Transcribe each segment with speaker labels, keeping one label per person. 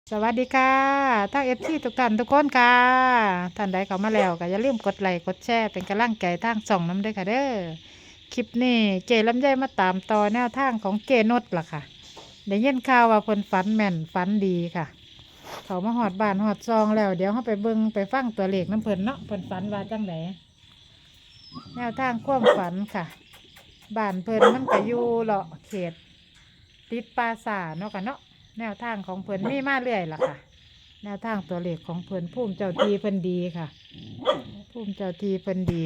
Speaker 1: สวัสดีค่ะทั้งFCทุกท่านทุกคนค่ะท่านใดเข้ามาแล้วก็อย่าลืมกดไลค์กดแชร์เป็นกำลังใจทางส่องน้ำด้วยค่ะเด้อคลิปนี้เจลำไยมาตามต่อแนวทางของเจนุชล่ะค่ะได้ยินข่าวว่าเพิ่นฝันแม่นฝันดีค่ะเขามาหอดบ้านหอดซองแล้วเดี๋ยวเขาไปเบิ่งไปฟังตัวเลขน้ำเพิ่นเนาะเพิ่นฝันว่าจังไหนแนวทางความฝันค่ะบ้านเพิ่นมันก็อยู่เลาะเขตติดปราสาทเนาะกันเนาะแนวทางของเพิ่นมีมาเรื่อยล่ะค่ะ แนวทางตัวเลขของเพิ่นภูมิเจ้าทีเพิ่นดีค่ะภูมิเจ้าทีเพิ่นดี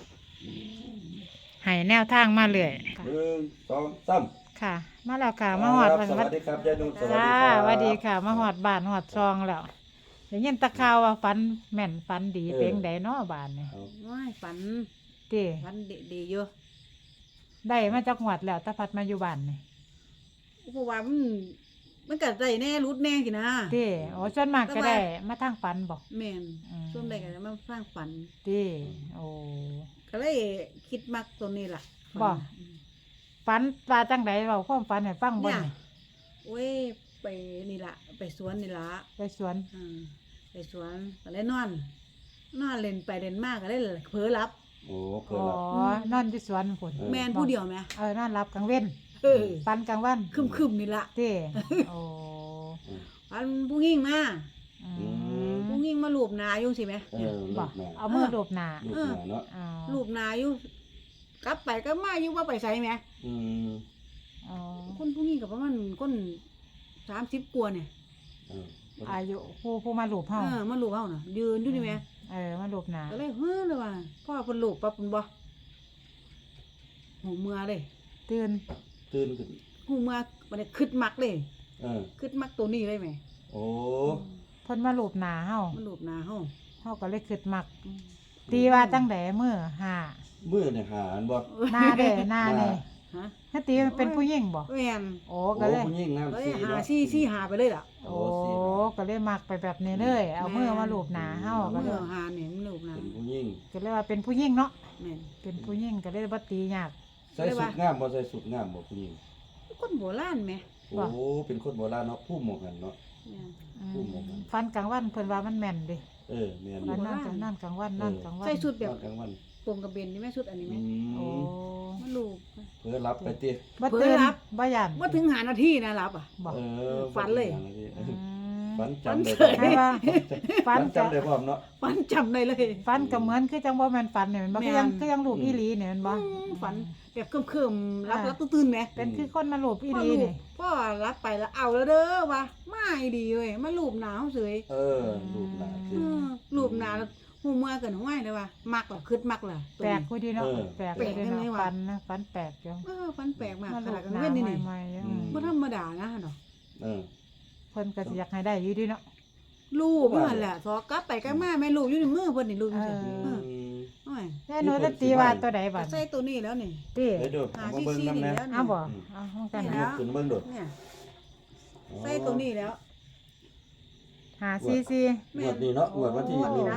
Speaker 1: ให้แนวทางมาเรื่อยค่ะ
Speaker 2: 1 2 3
Speaker 1: ค่ะ มาแล้วค่ะมาหอด
Speaker 2: สวัสดีครับยายนุ่นสวัสดี
Speaker 1: จ้า
Speaker 2: ครับ
Speaker 1: สวัสดีค่ะมาหอดบ้านหอดซองแล้วเดี๋ยวยินตะข่าวว่าฝันแม่นฝันดีเพียงใดเนาะบ้านนี่
Speaker 2: เอา
Speaker 3: ว้ายฝัน
Speaker 1: ตี
Speaker 3: ฝันดีๆอยู่
Speaker 1: ได้มาจากหวัดแล้วตะพัดมาอยู่บ้านนี่
Speaker 3: เพราะว่ามันก็ได้แน่รุดแน่สินะ
Speaker 1: ตีโอ้ส่วนมากก็ได้มาทางฝันบอก
Speaker 3: แม่น
Speaker 1: อืม
Speaker 3: ส่วนใดก็จะมาสร้างฝัน
Speaker 1: ตีโอ้
Speaker 3: ก็เลยคิดมักตัวนี้ล่ะ
Speaker 1: บ่
Speaker 3: อืม
Speaker 1: ฝันว่าจังไดเราความฝันให้ฟังบ่
Speaker 3: เนี่ย
Speaker 1: นี่
Speaker 3: โอ้ยไปนี่ล่ะไปสวนนี่ล่ะ
Speaker 1: ไปสวน
Speaker 3: อืมไปสวนก็เลยนอนเล่นไปเล่นมากก็เลยเผลอหลับ
Speaker 2: โอ้
Speaker 1: อ๋
Speaker 2: เพิ่น
Speaker 1: อ
Speaker 2: ละ
Speaker 1: นอนที่สวนพุ่น
Speaker 3: แม่นผู้เดียวไหม
Speaker 1: นอนรับกลางเว้น
Speaker 3: เออ
Speaker 1: ปันกลางวัน
Speaker 3: คึมๆนี่ล่ะ
Speaker 1: เต้โอ้
Speaker 3: ฝันผู้หญิงมา
Speaker 1: อื
Speaker 2: ม
Speaker 3: ผู้หญิงมาลูบหน้าอยู่สิแหม
Speaker 2: เออลู
Speaker 1: บ่
Speaker 2: กแม่
Speaker 1: เอามือโดบหน้า
Speaker 2: ลูกแม่เนาะ
Speaker 1: อ๋อ
Speaker 3: ลูบหน้าอยู่กลับไปก็มาอยู่ว่าไปไสแหม
Speaker 2: อืม
Speaker 1: อ๋อ
Speaker 3: คนผู้นี้กับประมาณคน30 กว่าเนี่ย
Speaker 2: เออ
Speaker 1: อายุผู้มาลูบเฮา
Speaker 3: มาลูบเฮาน่ะยืนอยู่นี่แหม
Speaker 1: มาลูบหน้า
Speaker 3: ก็เลยเฮ้อเลยว่าพ่อเพิ่นลูบปั๊บเพิ่นบ่หูเมื่อเลย
Speaker 1: ตื่น
Speaker 2: ตื่นขึ้น
Speaker 3: หูเมื่อบ่ได้คิดมักเลย
Speaker 2: เออ
Speaker 3: คิดมักตัวนี้เลยแหม
Speaker 2: โอ้
Speaker 1: เพิ่นมาลูบหน้าเฮา
Speaker 3: มาลูบหน้าเฮา
Speaker 1: เฮาก็เลยคิดมัก ตีว่าจังไดมื้อห้า
Speaker 2: มื้อเนี่ยหาอันบ่
Speaker 1: หน้าเด้หน้าเด้
Speaker 3: ฮะ
Speaker 1: ถ้าตีมันเป็นผู้หญิงบ่
Speaker 3: แม่น
Speaker 1: โอ้
Speaker 2: โอ้
Speaker 1: ก็เลย
Speaker 2: ผู้หญิงน้ำ
Speaker 3: เอ้ย
Speaker 2: สี
Speaker 3: หา
Speaker 2: เนาะ
Speaker 3: ซี่หาไปเลยล่ะ
Speaker 1: โอ้ก็เลยมักไปแบบนี้เลย เอามือมาลูบหน้าเฮาก็
Speaker 3: ก็
Speaker 1: เล
Speaker 3: เลย ยหาเนี่ยมันลูบหน้า
Speaker 2: เป็นผู้หญิง
Speaker 1: ก็เลยว่าเป็นผู้หญิงเนาะ
Speaker 3: แม่น
Speaker 1: เป็นผู้หญิงก็เลยบ่ตียาก
Speaker 2: ใส่สุดงามบ่ใส่สุดงามบ่ผู้หญิง
Speaker 3: คนโบราณแหม
Speaker 2: โอ้เป็นคนโบราณเนาะผู้หมกกันเนาะ
Speaker 3: แม่น
Speaker 2: ผู้หมกกัน
Speaker 1: ฟันกลางวันเพิ่นว่ามันแม่นเดิ
Speaker 2: เออแม่นอ
Speaker 1: ฟั
Speaker 2: ยู่
Speaker 1: นนั่นกลางวันนั่นกลางวัน
Speaker 3: ใส่ชุดแบบ
Speaker 2: กลางวัน
Speaker 3: โปรงกระเบนนี่แม่ชุดอันนี้
Speaker 2: อื
Speaker 3: แม่
Speaker 1: โอ้
Speaker 2: ม
Speaker 3: มันลูบ
Speaker 2: เพิ่นรับไปติ
Speaker 1: บ่
Speaker 3: เผลอ
Speaker 1: ตื่น
Speaker 3: รับ
Speaker 1: บ่ยัน
Speaker 3: ว่าถึงหานาทีนะรับอ่ะ
Speaker 1: บ่
Speaker 2: เออ
Speaker 3: ฝันเลย
Speaker 2: ฝันจำได้
Speaker 1: ให้ว่าฟั
Speaker 2: ฝั
Speaker 1: น
Speaker 2: น
Speaker 1: จะ
Speaker 2: จำได้พร้อมเนาะ
Speaker 3: ฝันจำได้เลย
Speaker 1: ฟันก็เหมือนคือจังบ่แม่นฟันเนี่ยมันบ่คือยัง
Speaker 3: แม่น
Speaker 1: คือยังรูปอีหลีเนี่ยมันบ่
Speaker 3: ฝันแบบเคลิ้มๆรับตื่นๆไหม
Speaker 1: เป็นคือคนมารูปอีหลี
Speaker 3: ลู
Speaker 1: นี่
Speaker 3: พ่อรับไปแล้วเอาแล้วเด้อวะไม่ดีเว้ยมาลูบหนาวเสย
Speaker 2: เออรูปหน้าคือ
Speaker 3: ลูบหนาหูเมื่อเกินห้วยเลยว่ะมักเหรอคืดมักเหรอ
Speaker 1: แปลกกูดีเนาะ
Speaker 2: เออ
Speaker 1: แปลก
Speaker 3: แปลก
Speaker 1: เลย
Speaker 3: จัง
Speaker 1: เนาะ
Speaker 3: เลยว่ะ
Speaker 1: ฟันนะฟันแปลกจัง
Speaker 3: ฝันแปลกมาก
Speaker 1: มา
Speaker 3: ข
Speaker 1: รู
Speaker 3: นาด
Speaker 1: ป
Speaker 3: กลาง
Speaker 1: หน้า
Speaker 3: เว้นนี่นี่
Speaker 1: ใหม่ๆ
Speaker 3: บ่ธรรมดานะเนาะ
Speaker 2: เออ
Speaker 1: เพิ่นก็สิอยากให้ได้อยู่ดีเนาะ
Speaker 3: ลูบเมื่อแหละสอกลับไปกลับมาแม่ลูบอยู่ในมือเพิ่นนี่ลูบอยู่
Speaker 1: เอ
Speaker 3: ซี่
Speaker 1: อ
Speaker 3: โอ้ย
Speaker 1: แน่หนูจะตีว่าตัวใดบัด
Speaker 3: ใส่ตัวนี้แล้วนี่
Speaker 1: ติ
Speaker 2: เดี๋ยวดู
Speaker 3: หา
Speaker 2: เอามา
Speaker 3: ซี่
Speaker 2: เบิ่ง
Speaker 3: ซี่
Speaker 2: นำ
Speaker 3: นี่
Speaker 2: แน่
Speaker 3: แล้ว
Speaker 1: เอา
Speaker 3: นี่
Speaker 1: บ่เอาห้องกัน
Speaker 3: นี่
Speaker 2: ย
Speaker 3: นะ
Speaker 2: กขึ้นเบิ่งดู
Speaker 3: เนี่ยใส่ตัวนี้แล้ว
Speaker 1: หาซีซี
Speaker 2: งวดนี้เนาะงวดวันที่
Speaker 3: งวดนี้
Speaker 2: นี่
Speaker 3: นะ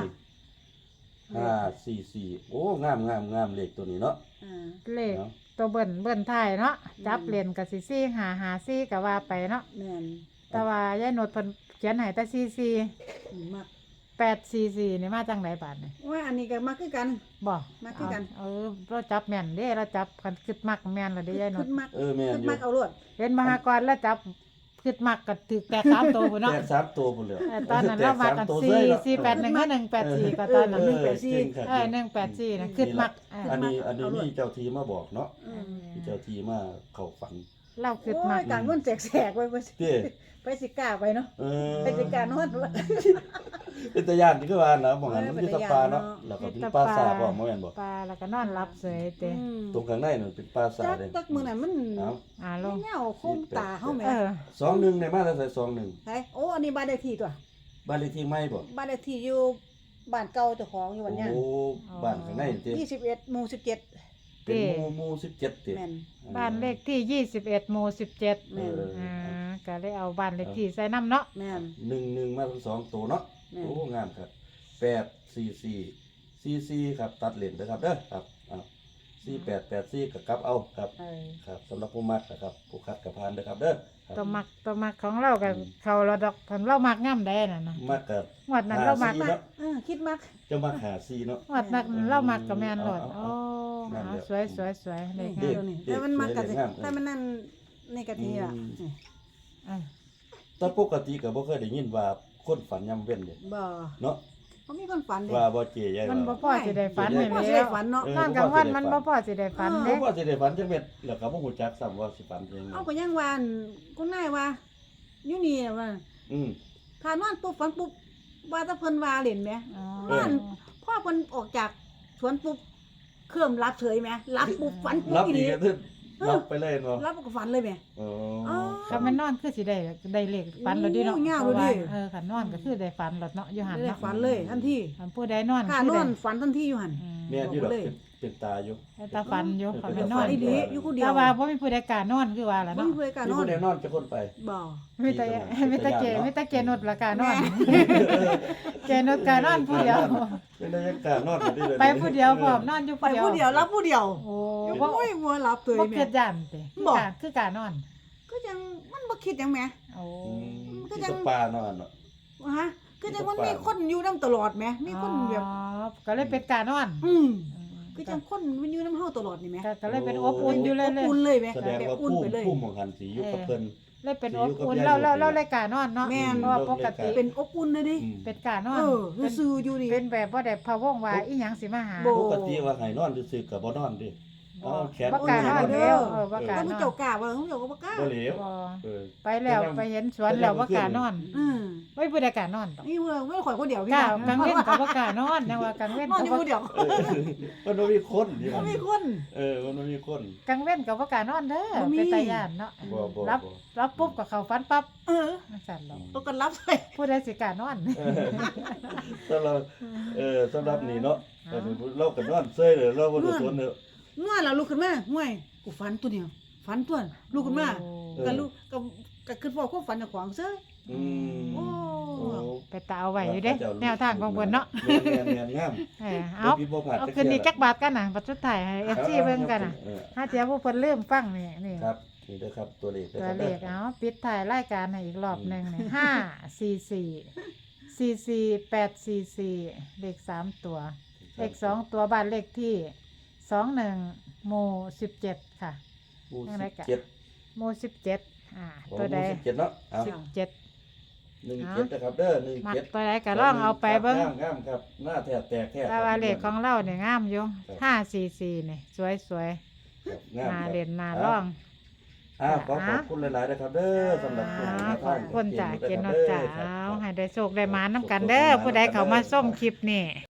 Speaker 2: 544โอ้งามเลขตัวนี้เนาะ
Speaker 3: อ่า
Speaker 1: เลข
Speaker 2: เนาะ
Speaker 1: ตัวเบิ่นท้ายเนาะจับเหรียญก็สิซี่หาซี่ก็ว่าไปเนาะ
Speaker 3: แม่น
Speaker 1: แต่ว่ายายโนดเพิ่นเขียนให้แต่ซีซี
Speaker 3: มัก
Speaker 1: 844นี่มาจังไดบาดนี่
Speaker 3: ว่าอันนี้ก็มักคือกัน
Speaker 1: บ่
Speaker 3: มาคือกัน
Speaker 1: เราจับแม่นเด้เราจับกันคิดมักแม่นแล้วเด้ยายโน
Speaker 3: ขึ้
Speaker 1: ด
Speaker 3: นมัก
Speaker 2: เออแม่น
Speaker 3: ขึ้น
Speaker 2: อยู่
Speaker 3: มักเอารวด
Speaker 1: เห็นมหากรแล้วจับคิดมักก็ถึกแต่3ตัวพุ่นเนาะ
Speaker 2: แตก3ตัวพุ่นแล้ว
Speaker 1: ตอนนั้นเรามากัน481 184ก็ตอนนั้น
Speaker 2: เออจริงครับ
Speaker 1: 184นะคิดมัก
Speaker 2: อันนี้มีเจ้าทีมาบอกเนาะ
Speaker 3: อืม
Speaker 2: มีเจ้าทีมาเข้าฝัน
Speaker 1: เราคิด
Speaker 3: โอ้
Speaker 1: มัก
Speaker 3: ยการมันแสกๆไว้บ่สิ
Speaker 2: เด้
Speaker 3: ไปสิกล้าไปเนาะ
Speaker 2: เออ
Speaker 3: ไปสิกล้านอนวะ
Speaker 2: เป็นตะย่านที่คือว่านะบอกงั้นมัน
Speaker 3: เป็
Speaker 2: มี
Speaker 3: น
Speaker 2: ตะ
Speaker 3: ตา
Speaker 2: ปลา
Speaker 3: ย้าน
Speaker 2: เนาะ
Speaker 3: เนาะ
Speaker 2: แล้วก็มีปลาสาบบ่แม่นบ่
Speaker 1: ปลาแล้วก็นอนหลับเสยเตะ
Speaker 2: ตรงข้างในนั่นเป็นปลาสา
Speaker 3: จัก
Speaker 2: เด้
Speaker 3: จักมื้อนั้นมัน
Speaker 2: เอ้า
Speaker 1: ลง
Speaker 3: เงาคมตาเฮาแหม่
Speaker 2: 21ในมาแล้วใส่21
Speaker 3: ไสโอ้อันนี้บ้านเลขที่ตัว
Speaker 2: บ้านเลขที่ใหม่บ่
Speaker 3: บ้านเลขที่อยู่บ้านเก่าเจ้าของอยู่วันเนี้ย
Speaker 2: โอ้บ้านข้างในติ
Speaker 3: 21หมู่17
Speaker 2: เป็นหมู่17ติ
Speaker 3: แม่น
Speaker 1: บ้านเลขที่21หมู่17
Speaker 2: เออ
Speaker 1: ก็เลยเอาบ้านเลขที่ใส่น้ำเนาะ
Speaker 3: แม่น
Speaker 2: 11มาทั้งสองตัวเนาะ
Speaker 3: แม่น
Speaker 2: โอ้งามครับ844ครับตัดเลนเด้อครับเด้อครับ4884ก็กลับเอาครับ
Speaker 1: เออ
Speaker 2: ครับสำหรับผู้มักนะครับผู้คัดกับพานเด้อครับเด้อ
Speaker 1: ตัวมักของเรากับเขาเราดอกคันเรามักงามได้น่ะนะ
Speaker 2: มากกับ
Speaker 1: งวดนั้นเรามัก
Speaker 2: เนาะ
Speaker 3: คิดมัก
Speaker 2: จะมาหาซีเนาะ
Speaker 1: งวดนั้นเรามักกับแม่นโลด
Speaker 2: เอา
Speaker 1: โอ้
Speaker 2: นั่น
Speaker 1: เอา
Speaker 2: เดี๋ยว
Speaker 1: สวยเลข
Speaker 3: นี่
Speaker 1: งาม
Speaker 3: ตัวนี้แต่มันมักกันสิ
Speaker 2: เด็กสวยเลยงาม
Speaker 3: แต่มันนั่นนี่กะทิอ่ะ
Speaker 1: อ่ะ
Speaker 2: แต่ปกติก็บ่เคยได้ยินว่าคนฝันยามเว้นเด้
Speaker 3: บ่
Speaker 2: เนาะ
Speaker 3: เขามีคนฝันเด้
Speaker 2: ว่าบ่เจยาย
Speaker 1: มันบ่
Speaker 2: ว่า
Speaker 1: พอสิได้ฝัน
Speaker 3: ไม่
Speaker 1: นี่
Speaker 3: พอสิ
Speaker 1: แล้
Speaker 3: ได้
Speaker 1: ว
Speaker 3: ฝันเนาะ
Speaker 1: นอนกลางวันมันบ่พอสิได้ฝัน
Speaker 2: บ่
Speaker 1: เด้
Speaker 2: ว่าสิได้ฝันจังเม็ดแล้วก็บ่ฮู้จักซ้ำว่าสิฝันจังได๋
Speaker 3: เอาก็ยังว่าอั่นคุณนายว่าอยู่นี่น่ะว่า
Speaker 2: อืม
Speaker 3: ถ้านอนปุ๊บฝันปุ๊บว่าถ้าเพิ่นว่าเล่นแหม
Speaker 1: อ๋อ
Speaker 2: เออ
Speaker 3: พ่อเพิ่นออกจากสวนปุ๊บเครื่องรับเฉยแหมรับปุ๊บฝันปุ๊บ
Speaker 2: รับ
Speaker 3: อี
Speaker 2: อี
Speaker 3: นี่
Speaker 2: กก็คือรับไปเลยเนาะ
Speaker 3: รับก็ฝันเลยแหม
Speaker 2: อ๋อ
Speaker 3: อ๋อ
Speaker 1: ถ้ามันนอนคือสิได้เลขฝันแล้วดิเนาะ
Speaker 3: โอ้ยาว
Speaker 1: เพราะว่า
Speaker 3: เลยดิ
Speaker 1: คันนอนก็คือได้ฝันแล้วเนาะอยู่หั่น
Speaker 3: ได้
Speaker 1: เนาะ
Speaker 3: ฝันเลยทันที
Speaker 1: คันผู้ใดนอน
Speaker 3: ข้า
Speaker 1: คื
Speaker 3: น
Speaker 1: ได้
Speaker 3: อนฝันทันทีอยู่หั่น
Speaker 1: อืม
Speaker 2: แม่นอยู่ดอก
Speaker 3: บอกเลย
Speaker 2: เป็นตาอยู่
Speaker 1: แต่ตาฝันอยู่คัน
Speaker 2: เป็
Speaker 1: เป็น นน
Speaker 3: ฝั
Speaker 1: อน น
Speaker 3: ดีๆอยู่คนเดียว
Speaker 1: แต่ว่าบ่มีผู้ใดกล้านอนคือว่าล่ะ
Speaker 3: บ่
Speaker 1: เนาะ
Speaker 3: มีเพื่อนกัน
Speaker 2: ที่
Speaker 3: นอ
Speaker 2: บ่
Speaker 3: น
Speaker 2: ได้นอนจะคนไป
Speaker 3: บ่
Speaker 1: มีแต่
Speaker 2: มี
Speaker 1: มี
Speaker 2: แต่
Speaker 1: แต่เก
Speaker 2: ญาติเนาะ
Speaker 1: มีแต่เกนดละกานอนเกนดกานอนผู้เดียว
Speaker 2: เป็นได้ยังกล้านอนอยู่ดีเลย
Speaker 1: ไปผู้เดียวพร้อมนอนอยู่
Speaker 3: ไปผู้เดียวรับผู้เดียว
Speaker 1: โอ้
Speaker 3: บ่
Speaker 1: บ่
Speaker 3: บ่รับตัว
Speaker 1: บ่
Speaker 3: แม่
Speaker 1: เกิดย่านติ
Speaker 3: บ่
Speaker 1: คือการนอน
Speaker 3: ก็ยังมันบ่คิดหยังแหม
Speaker 1: โอ้
Speaker 2: อืม
Speaker 3: ก็
Speaker 2: ที่
Speaker 3: ยัง
Speaker 2: ตกปลานอนเนาะ
Speaker 3: ฮะก็ยังมันมีคนอยู่นํตลอดแหมมีคนแบบ
Speaker 1: อ๋อก็เลยเป็นการนอน
Speaker 3: อืม
Speaker 1: อืม
Speaker 3: ก็จังคนมันอยู่นํเฮาตลอดนี่แหม
Speaker 1: ก็เลยเป็นอบอุ่นอยู่เลย
Speaker 3: อบอุ่นเลยแหม
Speaker 2: แสดง
Speaker 3: แบบ
Speaker 2: ว่า
Speaker 3: อุ่น
Speaker 2: ผู้
Speaker 3: ไปเลย
Speaker 2: ผู้หมองหันสีอยู่กับเพิ่น
Speaker 1: เลยเป็น
Speaker 2: สิ
Speaker 1: อ
Speaker 2: อยู่
Speaker 1: บ
Speaker 2: กับ
Speaker 1: อุ่น
Speaker 2: ยาย
Speaker 1: เรา
Speaker 2: อยู่นี่
Speaker 1: เลยการนอนเนาะ
Speaker 3: แม่น
Speaker 1: เพราะว่าปกติ
Speaker 3: เป็นอบอุ่นเลยดิ
Speaker 2: อืม
Speaker 1: เป็นการนอน
Speaker 3: คือซื่ออยู่ดิ
Speaker 1: เป็นแบบบ่ได้พะวงว่าอีหยังสิมาหา
Speaker 3: บ่
Speaker 2: ปกติว่าให้นอนซื่อๆก็บ่นอนดิเอาแขน
Speaker 1: บ่กล้านอน
Speaker 3: เด้
Speaker 1: แล้
Speaker 3: อ
Speaker 1: วบ่กล้า
Speaker 3: แต่
Speaker 1: น
Speaker 3: ผู้
Speaker 1: อน
Speaker 3: เจ้ากล้าว่าผู้เจ้าก็บ่กล้า
Speaker 2: บ่เหลว
Speaker 1: บ่
Speaker 2: เออ
Speaker 1: ไปแล้วไปเห็นสวนแล้วบ่กล้านอน
Speaker 3: อืม
Speaker 1: ไม่ผู้ใดกล้านอนดอก
Speaker 3: นี่ไม่ข่อยคนเดียว
Speaker 1: กล้ากลางเว้นก็บ่กล้านอนนะว่ากลางเว้น
Speaker 3: นอน
Speaker 1: ก็
Speaker 3: อยู่
Speaker 1: บ่
Speaker 3: คนเดียว
Speaker 2: เออมันบ่มีคนนี่
Speaker 3: บ่มีคน
Speaker 2: มันบ่มีคน
Speaker 1: กลางเว้นก็บ่กล้านอนเด้อ
Speaker 3: บ่มี
Speaker 1: เป็นตาย่านเนาะ
Speaker 2: บ่บ่
Speaker 1: รับ
Speaker 2: บ่
Speaker 1: รับปุ๊บก็เข้าฝันปั๊บ
Speaker 3: เออ
Speaker 1: จังซั่นดอก
Speaker 3: ตัวกันรับเลย
Speaker 1: ผู้ใดสิกล้านอน
Speaker 2: เออสำหรับสำหรับนี่เนาะแต่เราก็นอนเซยเลยเราบ่รู้สนเด้อ
Speaker 3: ง่วนแล้วลุกขึ้นมาห่วยกูฝันตัวเดียวฝันตัวลุกขึ้นมา
Speaker 1: โอ้
Speaker 3: ก็ลุกก็ขึ้นพอความฝันของขวางเซ้ย
Speaker 2: อืม
Speaker 3: โอ้
Speaker 2: โอ้
Speaker 1: ไปตาเอาไว้อยู่เด้แนวทางของเพิ่นเนาะ
Speaker 2: แม่นๆงาม
Speaker 1: เอา
Speaker 2: บ่ผิดบ่พลาด
Speaker 1: เอา
Speaker 2: จัก
Speaker 1: คืนนี้
Speaker 2: เที่ย
Speaker 1: จักบาทกันน่ะบัดสุดท้ายให้ FC เบิ่งกันน่ะ
Speaker 2: เออ
Speaker 1: ถ้าเจ้าผู้เพิ่นลืมฟังนี่
Speaker 2: ครับนี่เด้อครับตัวเลข
Speaker 1: ตัวเลขเอาปิดท้ายรายการให้อีกรอบหนึงนี่544448844เลข3ตัว เลข2ตัวบ้านเลขที่21หมู่17ค่ะ
Speaker 2: หมู่
Speaker 1: ยังไงกะ
Speaker 2: 17
Speaker 1: หมู่17ตัวใด
Speaker 2: หมู่17เนาะเอา
Speaker 1: 17
Speaker 2: 17นะครับเด้อ
Speaker 1: มัก
Speaker 2: 17
Speaker 1: ตัวใดก็ลองเอาไปเบิ่ง
Speaker 2: งามครับหน้าแทบแตกแท้
Speaker 1: แต่ว่าเลขของเราเนี่ยงามอยู่544นี่สวย
Speaker 2: ครับงาม
Speaker 1: ๆน่า
Speaker 2: ครับ
Speaker 1: เล่นน่าร้อง
Speaker 2: ขอบคุณหลายๆนะครับเด้อสำหรับผู้ให้แนว
Speaker 1: ข
Speaker 2: ทา
Speaker 1: อง บคุณจ่าเกณฑ์นอจ่า
Speaker 2: ครับ
Speaker 1: เอาให้ได้โชคได้มาน้ำกันเด้อผู้ใดเขามาส้มคลิปนี่